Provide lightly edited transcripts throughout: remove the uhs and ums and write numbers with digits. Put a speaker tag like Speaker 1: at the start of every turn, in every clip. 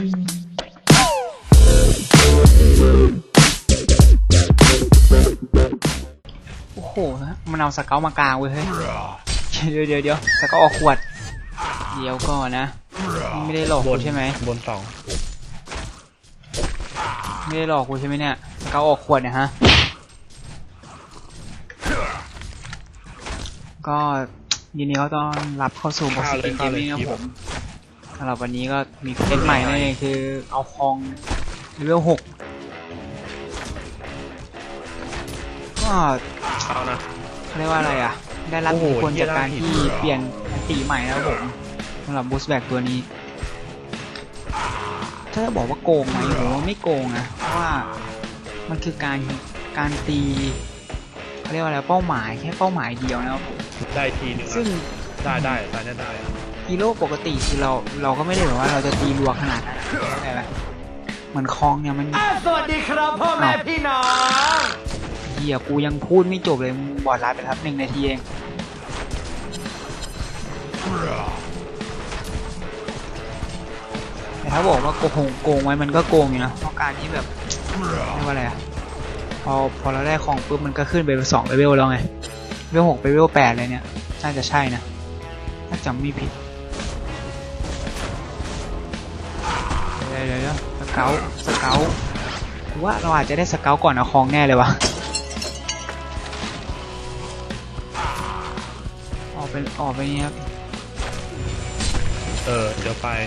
Speaker 1: โอ้โหมันเอาสเกลมากลางเว้ยเฮ้ยเดี๋ยวสเกลออกขวดเดี๋ยวก่อนนะไม่ได้หลอกกูใช่ไหม
Speaker 2: บนสอง
Speaker 1: ไม่ได้หลอกกูใช่ไหมเนี่ยสเกลออกขวดเนี่ยฮะก็ยินดีเขาต้อนรับเข้าสู่บอสเกมเกมนี้นะผมสำหรับวันนี้ก็มีเล่นใหม่นั่นเองคือเอาคองเลเวล6ก็
Speaker 2: เอานะ
Speaker 1: เขาเรียกว่าอะไรอ่ะได้รับอิทธิพลจากการที่เปลี่ยนอันตีใหม่แล้วผมสำหรับบูสต์แบ็กตัวนี้ถ้าจะบอกว่าโกงไหมผมว่าไม่โกงนะเพราะว่ามันคือการตีเขาเรียกว่าอะไรเป้าหมายแค่เป้าหมายเดียวนะครับ
Speaker 2: ได้ทีนึง
Speaker 1: ซึ่ง
Speaker 2: ได้
Speaker 1: ฮีโร่ปกติคือเราก็ไม่ได้แบบว่าเราจะตีรัวขนาดนั้นใช่ไหมเหมือนคองเนี่ยมัน
Speaker 3: สวัสดีครับพ่อแม่พี่น้อง
Speaker 1: เฮียกูยังพูดไม่จบเลยบอดไลน์ไปครับ1 นาทีเองแต่ถ้าบอกว่าโกงไว้มันก็โกงอยู่นะเพราะการที่แบบเรียกว่าอะไรอะพอเราได้ของปุ๊บมันก็ขึ้นไป2 เลเวลแล้วไงเลเวล6ไปเลเวล8เลยเนี่ยน่าจะใช่นะถ้าจำไม่ผิดเดี๋ยวสเกลว่าเราอาจจะได้สเกลก่อนเอาคองแน่เลยวะออกไปนี้ครับ
Speaker 2: เดี๋ยวไป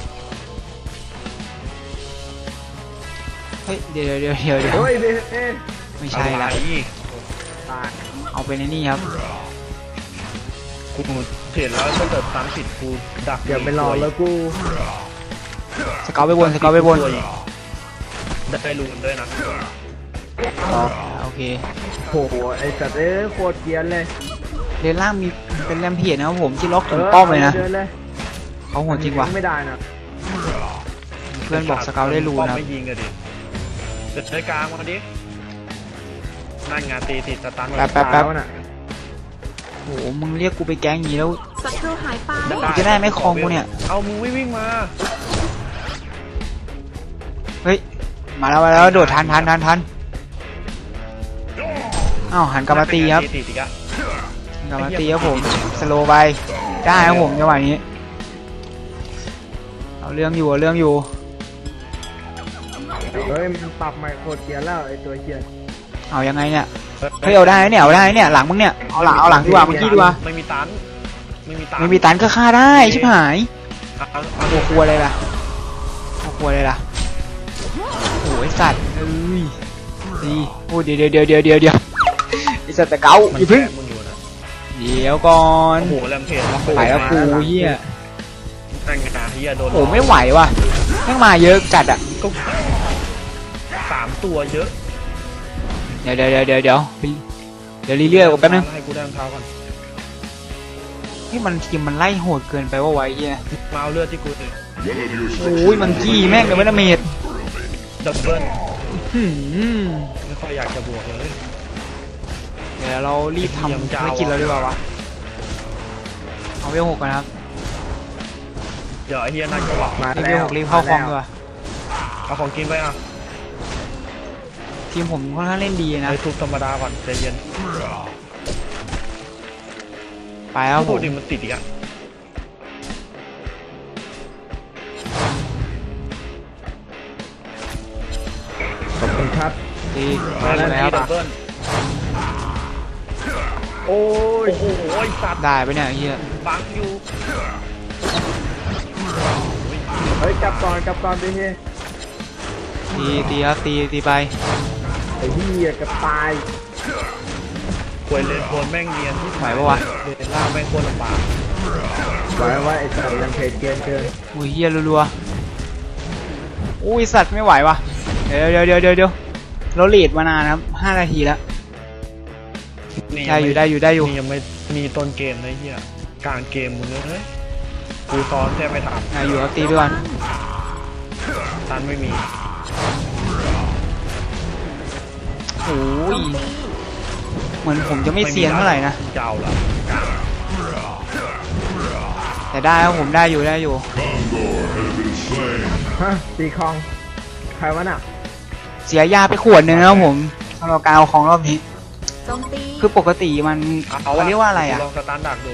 Speaker 1: เฮ้ยเดี๋ยว
Speaker 3: เฮ้ย
Speaker 1: ไม่ใช่ละเอาไปในนี่ครับ
Speaker 2: กูเห็นแล้วถ้าเกิดตามผิดกูดัก
Speaker 3: อย่าไปรอแล้วกู
Speaker 1: สเกลไปบน
Speaker 2: ได้รูนด้วยนะ
Speaker 1: โอเค
Speaker 3: โหไอ้สัตว์โคตรเกียนเลย
Speaker 1: เรนล่างมีเป็นแรมเพียรนะครับผมที่ล็อกถึงป้อมเลยนะเขาโหดจริงวะ
Speaker 3: ไม่ได้นะ
Speaker 1: เพื่อนบอกสเกลได้รูนครับ
Speaker 2: ไม่ยิงกันดิเดินกลางมาดินั่นงานตีติดสตัน
Speaker 1: แป๊บน่ะโหมึงเรียกกูไปแก๊งอย่างนี้แล้ว
Speaker 4: ศัตรูหายไป
Speaker 1: จะได้ไม่คลองกูเนี่ย
Speaker 2: เอามึงวิ่งมา
Speaker 1: เฮ้ยมาแล้วโดดทันอ้าวหันกลับมาตีครับกลับมาตีครับผมสโลว์ไปได้ครับผมจังหวะนี้เอาเรื่องอยู่
Speaker 3: เฮ้ยมันปรับใหม่โคตรเกียนแล้วไอ้ตัวเกียน
Speaker 1: เอายังไงเนี่ยเฮ้ยเอาได้เนี่ยหลังมึงเนี่ยเอาหลังดีกว่าเมื่อกี้ดีกว่า
Speaker 2: ไม่มี
Speaker 1: ตันก็ฆ่าได้ชิบหายโอ้ครัวเลยล่ะโอ้ยสัตว์ดีโอ้เดี๋ยวไอสัตว์ตะเกาอีพึ่งเดี๋ยวก่อน
Speaker 2: โอ้โหแรมเพจ
Speaker 1: ไปแล้วกูเฮีย
Speaker 2: นั่งกระดาษเฮียโดน
Speaker 1: โอ้ไม่ไหวว่ะแม่งมาเยอะจัดอ่ะ
Speaker 2: ก็3 ตัวเยอะ
Speaker 1: เดี๋ยวเรื่อยๆกูแป๊บนึง
Speaker 2: ให้กูได้รองเท้าก่อน
Speaker 1: ที่มันทีมมันไล่โหดเกินไปว่าไว้เฮีย
Speaker 2: มาเอาเลือดที่กูเลย
Speaker 1: โอ้ยมันจี้แม่งเลยไม่ละเมด
Speaker 2: ดับเบิ้ลไม่ค่อยอยากจะบวกเลย
Speaker 1: เดี๋ยวเรารีบทำภารกิจเราดีกว่าวะเอาเวล6กันครับ
Speaker 2: เดี๋ยวไอ้เฮียนั่นก็บอก
Speaker 1: มาเวล6รีบเข้าคลองดีกว่า
Speaker 2: เอาของกินไปอ่ะ
Speaker 1: ทีมผมค่อนข้างเล่นดีนะ
Speaker 2: ไปทุบธรรมดาก่อนใจเย็น
Speaker 1: ไปแล้วผม
Speaker 2: มันติดอีกอ่ะ
Speaker 3: ขอบคุณครับ
Speaker 1: ดีมาแล้ว
Speaker 2: ดับเบิ้ลโอ้ยสัตว์
Speaker 1: ได้ไปเนี่ยเฮีย
Speaker 2: บังอยู่
Speaker 3: เฮ้ยกลับก่อนดิเฮีย
Speaker 1: ตีครับตีไป
Speaker 3: ไอ้เฮียกับตาย
Speaker 2: ควยเลนโคนแม่งเนียนที่
Speaker 1: ไหวปะวะ
Speaker 2: เลนล่างแม่งโคตรลำบาก
Speaker 3: ไหวว่าไอ้สัตว์ยังเพจเกิน
Speaker 1: อุ้ยเฮียรัวๆอุ้ยสัตว์ไม่ไหววะเดี๋ยวเราลีดมานานครับ5 นาทีแล้วได้อยู่
Speaker 2: ยังไม่มีต้นเกมเลยเฮียกลางเกมมึงเลยกูซ้อนแทบไม่ทัน
Speaker 1: อยู่ครับตีไปก่อน
Speaker 2: ตันไม่มี
Speaker 1: โอ้ยเหมือนผมจะไม่เซียนเท่าไหร่นะ
Speaker 2: เจ้าละ
Speaker 1: แต่ได้ครับผมได้อยู่
Speaker 3: ฮะตีคลองใครวะน่ะ
Speaker 1: เสียยาไปขวดหนึ่งนะครับผมสำหรับการเอาของรอบนี้
Speaker 4: โจมตี
Speaker 1: คือปกติมันเขาเรียกว่าอะไรอ่ะ
Speaker 2: ลองสตาร์ทดักดู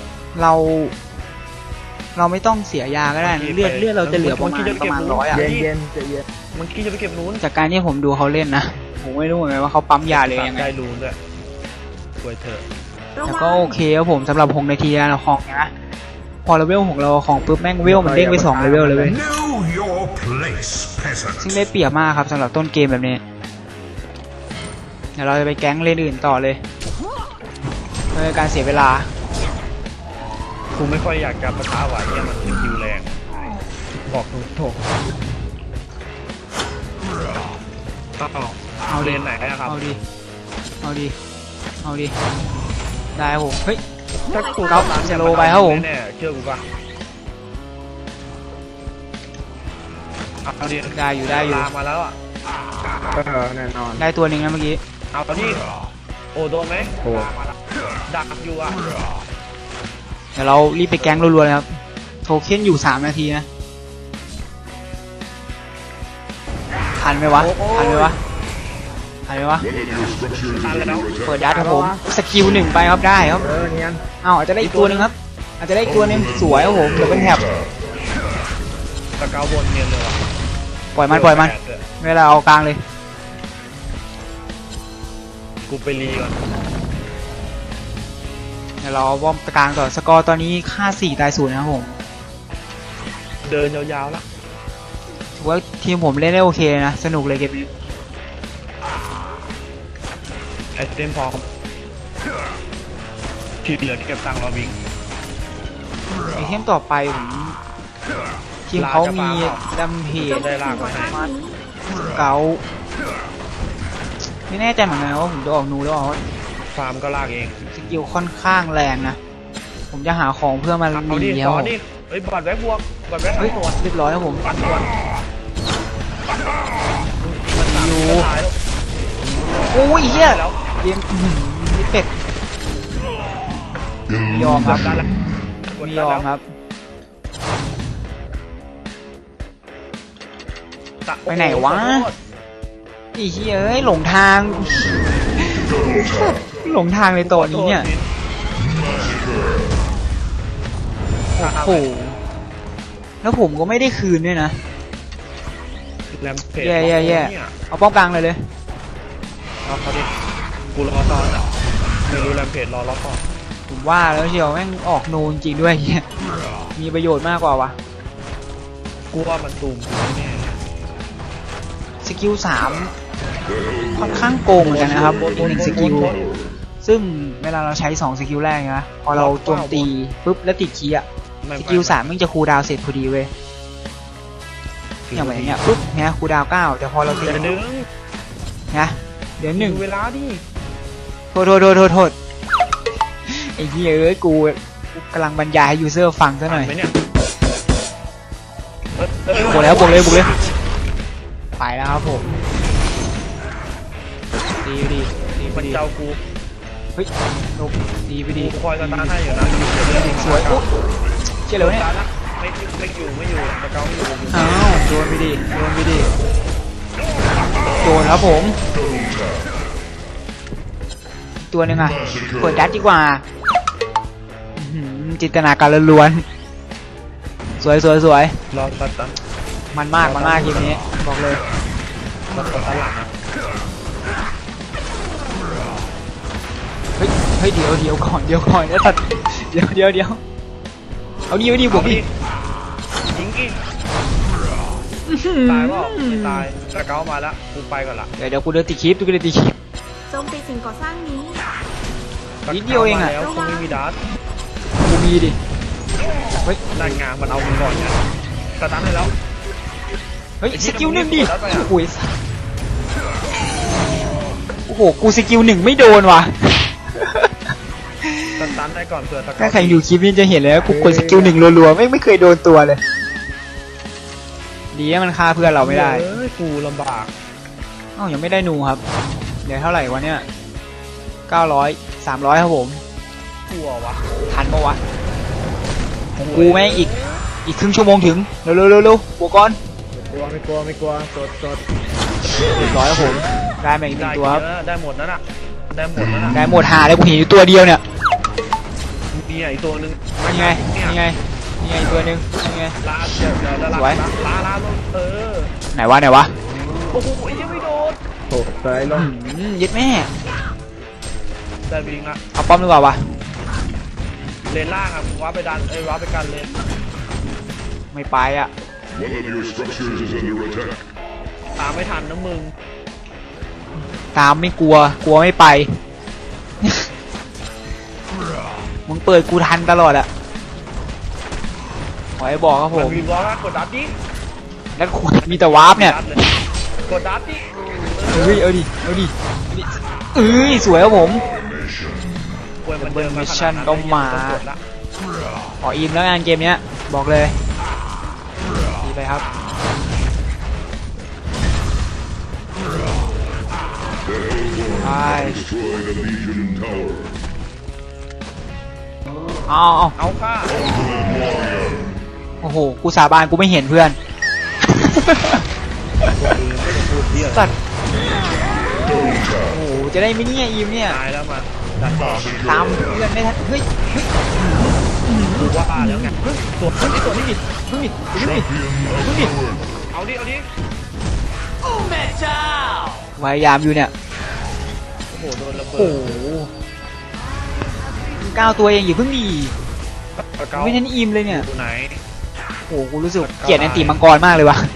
Speaker 1: เราไม่ต้องเสียยาก็ได้นะเลือดเราจะเหลือประมาณ100อ่ะ
Speaker 3: เย็นเย็นจะเย็น
Speaker 2: มันคิดจะไปเก็บนู้น
Speaker 1: จากการที่ผมดูเขาเล่นนะผมไม่รู้เหมือนกันว่าเขาปั๊มยาเลยยังไง
Speaker 2: ได้รูนด้วยสวยเถอะ
Speaker 4: ระ
Speaker 1: แต่
Speaker 4: วัง
Speaker 1: ก็โอเคครับผมสำหรับ6นาทีเราของนะพอเลเวลของเราของปุ๊บแม่งเวลมันเด้งไป2เลเวลเลยเว้ย
Speaker 5: Know your place, peasant.
Speaker 1: ซึ่งได้เปรียบมากครับสำหรับต้นเกมแบบนี้เดี๋ยวเราจะไปแก๊งเลนอื่นต่อเลยเพื่อการเสียเวลา
Speaker 2: กูไม่ค่อยอยากจะปะทะไหวเนี่ยมันสกิลแรงบอกตรงเอาเลนไหนนะครับ
Speaker 1: เอาดิได้ครับผมเฮ้ย
Speaker 2: ถ้ากู
Speaker 1: ก๊อฟสโลว์ไปครับผม
Speaker 2: แน่ๆเชื่อกูป่ะเอาดิ
Speaker 1: ได้อยู่
Speaker 2: ลามาแล้วอ่ะ
Speaker 3: แน่นอน
Speaker 1: ได้ตัวหนึ่งนะเมื่อกี้
Speaker 2: เอาดิโอ้โดนไหม
Speaker 3: โอ้
Speaker 2: ดักอยู่อ่ะ
Speaker 1: เดี๋ยวเรารีบไปแก๊งรัวๆเลยครับโทเค็นอยู่3นาทีนะทันไหมวะ
Speaker 2: ทันแล้ว
Speaker 1: เปิดยัดครับผมสกิล1ไปครับได้ครับ
Speaker 3: เนียน
Speaker 1: อาจจะได้อีกตัวหนึ่งครับ อาจจะได้อีกตัวหนึงสวยครับผมเดี๋ยวเป็นแถบ
Speaker 2: ตะเกาบนเนียนเลยว่ะ
Speaker 1: ปล่อยมันเวลาเอากลางเลย
Speaker 2: กูไปรีก่อน
Speaker 1: เดี๋ยวเราวอร์มกลางต่อสกอร์ตอนนี้ค่า4ตาย0นะครับผม
Speaker 2: เดินยาวๆแล้ว
Speaker 1: ถือว่าทีมผมเล่นได้โอเคนะสนุกเลยเกมนี้
Speaker 2: ไอเทมพร้อมที่เหลือเก็บตังค์รอวิ่ง
Speaker 1: ไอเทมต่อไปผมทีมเขามีดัมเพ
Speaker 4: โจ
Speaker 1: จ
Speaker 4: มตีสิ่งก่อสร้างนี้
Speaker 1: เกาไม่แน่ใจเหมือนกันว่าผมจะออกนูหรือเปล่า
Speaker 2: ฟาร์มก็ลากเอง
Speaker 1: สกิลค่อนข้างแรงนะผมจะหาของเพื่อมา
Speaker 2: เอาดิ
Speaker 1: เดีย
Speaker 2: ต่
Speaker 1: ว
Speaker 2: อดิเฮ้ยบอดแว็กบวกบอดแว็ก
Speaker 1: เฮ้ย
Speaker 2: สวน
Speaker 1: เรียบร้อยครับผม
Speaker 2: ปัดสวน
Speaker 1: อยู่
Speaker 2: จะตายแล้ว
Speaker 1: โอ้ยเฮีย
Speaker 2: แล้ว
Speaker 1: เกมนี่เป็ดยอมครับ
Speaker 2: ได้แล้วกด
Speaker 1: ไม่
Speaker 2: ได้
Speaker 1: ยอ
Speaker 2: แล้
Speaker 1: ม
Speaker 2: ว
Speaker 1: ครับ
Speaker 2: ตะ
Speaker 1: ไปไหนวะ ไอ้เหี้ยเอ้ยหลงทาง หลงทางในตัวนี้เนี่ยโอ้โหแล้วผมก็ไม่ได้คืนด้วยนะ
Speaker 2: แรมเพจ
Speaker 1: แย่
Speaker 2: เนี่ย
Speaker 1: เอาป้อมกลางเลยเลย
Speaker 2: เอาเขาดิกูรอตอนอ่ะไม่รู้แรมเพจรอล็อกก่อน
Speaker 1: ผมว่าแล้วเชียวแม่งออกนูนจริงด้วยเหี้ยมีประโยชน์มากกว่าวะ
Speaker 2: กูว่ามันตูมกูแน่เนี่ย
Speaker 1: สกิล3ค่อนข้างโกงเหมือนกันนะครับอีกหนึ่งสกิลซึ่งเวลาเราใช้2สกิลแรกนะพอเราโจมตีปุ๊บแล้วติดคีย์อะ
Speaker 2: ไม่
Speaker 1: สกิล3มันจะคูลดาวน์เสร็จพอดีเว้ยอย่างแบบเนี้ยปุ๊บเนี่ยคูลดาวน์9แต่พอเราตี
Speaker 2: เดี๋ยวนึง
Speaker 1: นะเดี๋ยวหนึ่ง
Speaker 2: ดูเวลาดิ
Speaker 1: โทษไอ้เหี้ยเอ้ยกูกำลังบรรยายให้ยูเซอร์ฟังซะหน่อย
Speaker 2: ไหมเนี่ย
Speaker 1: บวกเลยไปแล้วครับผมดีไปดี
Speaker 2: มันเจ้ากู
Speaker 1: เฮ้ยลบดีไปดี
Speaker 2: กูคอยสตาร์ทให้อยู่นะ
Speaker 1: สวยอุ๊ยเชี่ยเลยเนี่ย
Speaker 2: ไม่อยู่ตะเกาไม่อยู่
Speaker 1: อ้าวโดนไปดีโดนครับผมตัวหนึ่งอ่ะเปิดดัดดีกว่าอื้อหือจินตนาการล้วนๆสวย
Speaker 2: รอสตาร์ท
Speaker 1: มันมากทีมนี้บอกเลย
Speaker 2: รอสตาร์ทหลังนะ
Speaker 1: เฮ้ยเดี๋ยวก่อนนะสัตว์เดี๋ยวเอาดิบวกดิ
Speaker 2: ยิงกี่ตายเปล่าไม่ตายตะเกามาแล้วกูไปก่อนละ
Speaker 1: เดี๋ยวกูเดินตีคลิป
Speaker 4: โจมตีสิ่งก่อสร้างนี้
Speaker 1: นิดเดียวเองอะ
Speaker 2: แล้วคงไม่มีดาร์ท
Speaker 1: กูมีดิเฮ้ย
Speaker 2: ด้านงานมันเอามึงก่อนเนี่ยสตาร์ทให้แล้ว
Speaker 1: สกิล1ดิโอ้โหกูสกิล1ไม่โดนว่ะ
Speaker 2: สตาร์ทได้ก่อนเผื่อตะเกา
Speaker 1: ถ้าใครดูคลิปนี้จะเห็นแล้วกูกดสกิล1รัวๆไม่เคยโดนตัวเลยดีนะมันฆ่าเพื่อนเราไม่ได้
Speaker 2: เฮ้ยกูลำบาก
Speaker 1: เอ้ายังไม่ได้นูครับเดี๋ยวเท่าไหร่วะเนี่ย900 300ครับผม
Speaker 2: กลัววะ
Speaker 1: ทันปะวะของกูแม่งอีกครึ่งชั่วโมงถึงเร็วบวกก่อน
Speaker 3: ไม่กลัวสด
Speaker 1: เรียบร้อยครับผมได้มาอีกหนึ่
Speaker 2: ได้
Speaker 1: งตัวครับ
Speaker 2: ได้หมดนั่นน่ะได้หมดนั่นน่ะ
Speaker 1: ได้หมดหาเลยกูเห็นอยู่ตัวเดียวเนี่ย
Speaker 2: มีอีกตัวนึง
Speaker 1: นี่ไงนี่ไงนี่ไงอีกตัวหนึงนี่ไง
Speaker 2: ลาเดี๋ยวลา
Speaker 1: สวย
Speaker 2: ลาลงอ
Speaker 1: ไหนวะไหนวะ
Speaker 2: โอ้โหยังไม่โดน
Speaker 3: โถสไลด์ลง
Speaker 1: ยึดแม่
Speaker 2: ได้บิงละ
Speaker 1: เอาป้อมดีกว่าวะ
Speaker 2: เลนล่างอ่ะว้าไปดันว้าไปกันเลน
Speaker 1: ไม่ไปอ่ะ
Speaker 5: One of your structures is under attack.
Speaker 2: ตามไม่ทันนะมึง
Speaker 1: ตามไม่กลัวไม่ไป มึงเปิดกูทันตลอดอะขอให้บอกครับผ
Speaker 2: มัน
Speaker 1: ม
Speaker 2: มีบล็อกนะกดดับดิ
Speaker 1: แล้วคุณมีแต่วาร์ปเนี่ย
Speaker 2: กดดับดิ
Speaker 1: เอ้ยเอาดิเอ้ยสวยครับผม
Speaker 2: เว้ยมันเดินมาขนาด
Speaker 1: Mission
Speaker 2: นั้น
Speaker 1: ต้องมา
Speaker 2: ต้องกดละ
Speaker 1: ขออิมแล้วงานเกมเนี้ยบอกเลยดีไปครับไป
Speaker 5: Destroyed a Legion tower.
Speaker 1: เอา
Speaker 2: เอาค่ะ
Speaker 1: โอ้โหกูสาบานกูไม่เห็นเพื่อน สัตว์โอ้โหจะได้ไหมเนี่ยอิมเนี่ย
Speaker 2: ตายแล้วมาดันต่อ
Speaker 1: ตามเพื่อนไม่ทันเฮ้ย
Speaker 2: ดูว่าแล้วไงตัวนี้ตัวนี้
Speaker 1: เฮ้ย
Speaker 5: Champion of power.
Speaker 2: เอาดิเอาดิ
Speaker 1: พยายามอยู่เนี่ย
Speaker 2: โอ้โหโดนระเบิ
Speaker 1: โอ้
Speaker 2: ด
Speaker 1: โห9 ตัวเองอย่าเพิ่งดี
Speaker 2: เกา
Speaker 1: ไม่ทันอิมเลยเนี่ย
Speaker 2: ตัวไหน
Speaker 1: โอ้โหกูรู้สึกเกลียดแอนติมังกรมากเลยวะ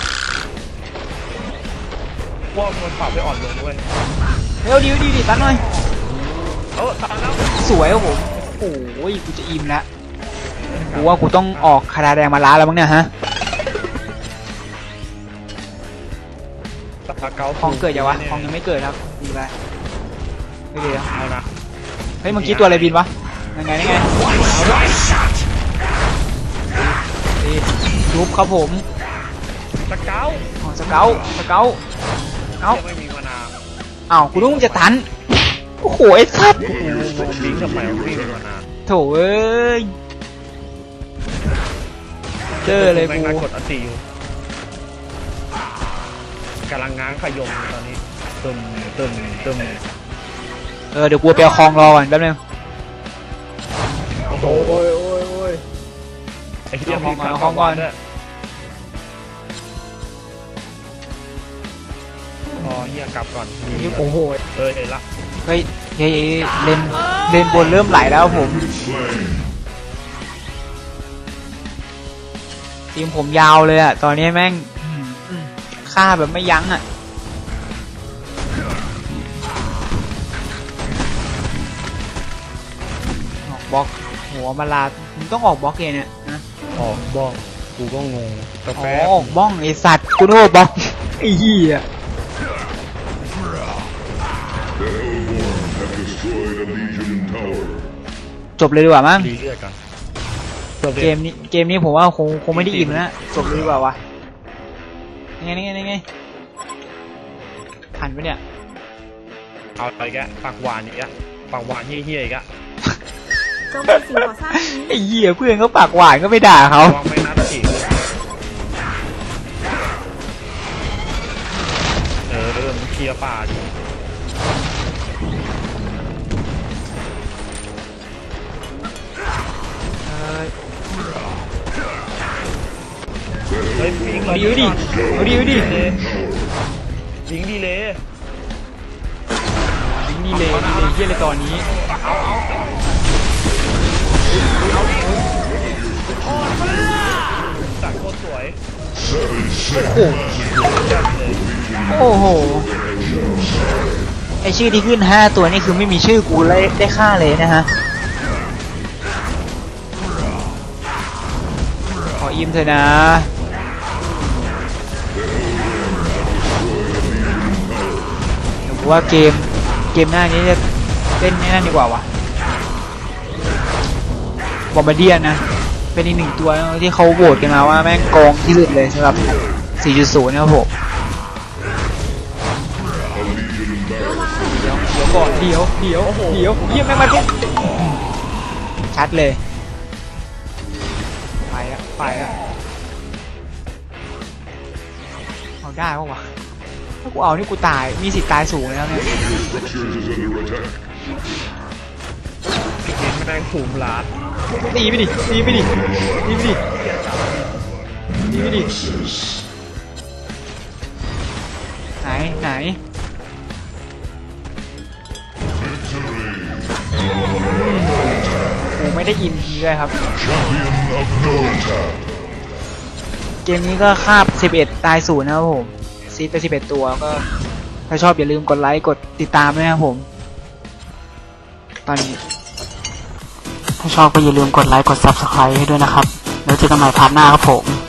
Speaker 2: ว่ามันปรับไปอ่อนลงด้วย
Speaker 1: เร็วดีตั้งหน่อย
Speaker 2: ตายแล้ว
Speaker 1: สวยครับผมโอ้ยกูจะอิมแล้วกูว่ากูต้องออกคาราแดงมาล้าแล้วมั้งเนี่ยฮะ
Speaker 2: ตาเกา
Speaker 1: คองเกิดยังวะคองยังไม่เกิดครับดีไปไม่ดีแล้ว
Speaker 2: เอานะ
Speaker 1: เฮ้ยเมื่อกี้ตัวอะไรบินวะยังไงดีรูปครับผม
Speaker 2: ตะเกา
Speaker 1: อ๋อสเกลเอ้า
Speaker 2: ยังไม่มีมานาว
Speaker 1: อ้าวกูนึกมึงจะตันโอ้โหไอ้สัตว์
Speaker 2: บิงทำไมไม่มีมานาว
Speaker 1: โถเอ้ยเจอเลย
Speaker 2: แม่
Speaker 1: กู
Speaker 2: งนัดกดอันตีอยู่กำลังง้างขยมตอนนี้ตึม
Speaker 1: เดี๋ยวกูไปเอาคลองรอก่อนแป๊บนึง
Speaker 2: โอ้โห
Speaker 3: โอ้ย
Speaker 2: ไอ้เหี้ย
Speaker 1: เอาของก่อน
Speaker 2: ด้วยอ๋อเหี้ยกลับก่อน
Speaker 3: โอ้โห
Speaker 2: เห็นละ
Speaker 1: เฮ้ยเลนบนเริ่มไหลแล้วผม ทีมผมยาวเลยอะตอนนี้แม่งฆ่าแบบไม่ยั้งอะออกบล็อกหัวมาลามึงต้องออกบล็อกเองเนี่ยนะ
Speaker 2: อ๋อบ้องกูก็งงกาแฟ
Speaker 1: อ๋อออกบ้องไอสัตว์กูโน่บล็อกไอ้เหี้ย
Speaker 5: The Hellborn have destroyed a Legion tower.
Speaker 1: จบเลยดีกว่ามั้ง
Speaker 2: ดีเลือดกัน
Speaker 1: เกมนี้ผมว่าคงไม่ได้อิ่มแล้วจบเลยดีกว่าวะนี่ไงทันปะเนี่ย
Speaker 2: เอาไปแกปากหวานอีกอะปากหวานเฮี้ยๆอีกอะ
Speaker 4: โจมตีสิ่งก่อสร้างนี้
Speaker 1: ไอ้เหี้ยเพื่อนเขาปากหวานก็ไม่ด่าเขา
Speaker 2: วางไม่นัดอีกมันเคลียร์ป่าดิเฮ้ยบิง
Speaker 1: เอาดิ
Speaker 2: บิงดีเลย
Speaker 1: ยิงดีเลยเหี้ยอะไรตอนนี้
Speaker 2: จัดโคตรสวย
Speaker 1: โอ้โหไอชื่อที่ขึ้น5 ตัวนี่คือไม่มีชื่อกูเลยได้ค่าเลยนะฮะขออิมเถอะนะเดี๋ยวกูว่าเกมหน้านี้จะเล่นนั่นดีกว่าวะบอมบาเดียนนะเป็นอีก1 ตัวที่เขาโหวตกันมาว่าแม่งโกงที่สุดเลยสำหรับ 4.0 นะครับผมเดี๋ยวก่อนเดี๋ยวเยี่ยมแม่งมาปุ๊บชัดเลยไปอะเอาได้ปะวะถ้ากูเอานี่กูตายมีสิทธิ์ตายสูงแล้วเนี่ย
Speaker 5: Structures is under attack.
Speaker 2: พี่เกมไม่ได้หูมลาด
Speaker 1: ตีไปดิตีไปดิตีไปดิตีไปดิไหนกูไม่ได้อินทีเลยครับ
Speaker 5: Champion of Northtown.
Speaker 1: เกมนี้ก็คาบ11ตาย0นะครับผมซีดไป11ตัวก็ถ้าชอบอย่าลืมกดไลค์กดติดตามด้วยนะครับผมตอนนี้ถ้าชอบก็อย่าลืมกดไลค์กด Subscribe ให้ด้วยนะครับแล้วเจอกันใหม่พาร์ทหน้าครับผม